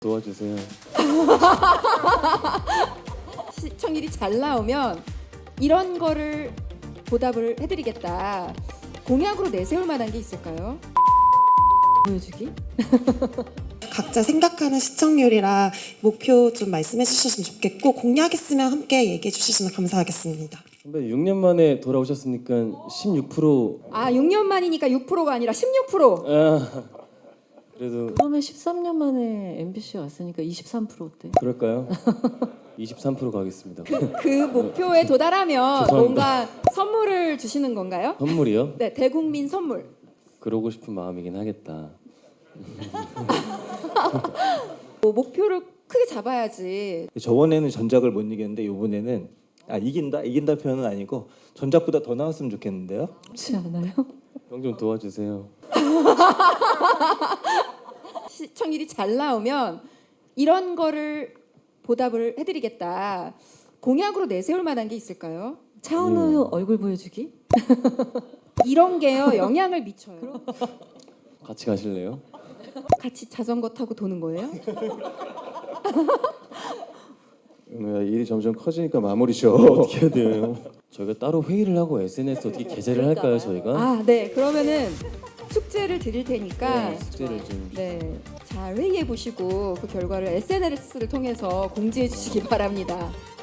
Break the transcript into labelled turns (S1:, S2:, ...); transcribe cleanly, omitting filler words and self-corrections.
S1: 도와주세요.
S2: 시청률이 잘 나오면 이런 거를 보답을 해드리겠다. 공약으로 내세울 만한 게 있을까요? 보여주기?
S3: 각자 생각하는 시청률이랑 목표 좀 말씀해 주셨으면 좋겠고 공약 있으면 함께 얘기해 주시면 감사하겠습니다.
S1: 선배 6년 만에 돌아오셨으니까 16%.
S2: 아, 6년 만이니까 6%가 아니라 16%.
S1: 그래도
S4: 처음에 13년 만에 MBC 왔으니까 23%대.
S1: 그럴까요? 23% 가겠습니다.
S2: 그 목표에 도달하면
S1: 죄송합니다.
S2: 뭔가 선물을 주시는 건가요?
S1: 선물이요?
S2: 네, 대국민 선물.
S1: 그러고 싶은 마음이긴 하겠다.
S2: 목표를 크게 잡아야지.
S5: 저번에는 전작을 못 이겼는데 이번에는 이긴다 표현은 아니고 전작보다 더 나왔으면 좋겠는데요.
S4: 그렇지 않아요?
S1: 형 좀 도와주세요.
S2: 시청률이 잘 나오면 이런 거를 보답을 해드리겠다. 공약으로 내세울 만한 게 있을까요?
S4: 차은우 얼굴 보여주기?
S2: 이런 게요 영향을 미쳐요.
S1: 같이 가실래요?
S2: 같이 자전거 타고 도는 거예요?
S6: 은우야, 일이 점점 커지니까 마무리 줘.
S1: 어떻게 해야 돼요? 저희가 따로 회의를 하고 SNS 어떻게 게재를 할까요, 저희가?
S2: 아, 네. 그러면은 숙제를 드릴 테니까
S1: 네, 숙제를 좀.
S2: 네, 잘 회의해 보시고 그 결과를 SNS를 통해서 공지해 주시기 바랍니다.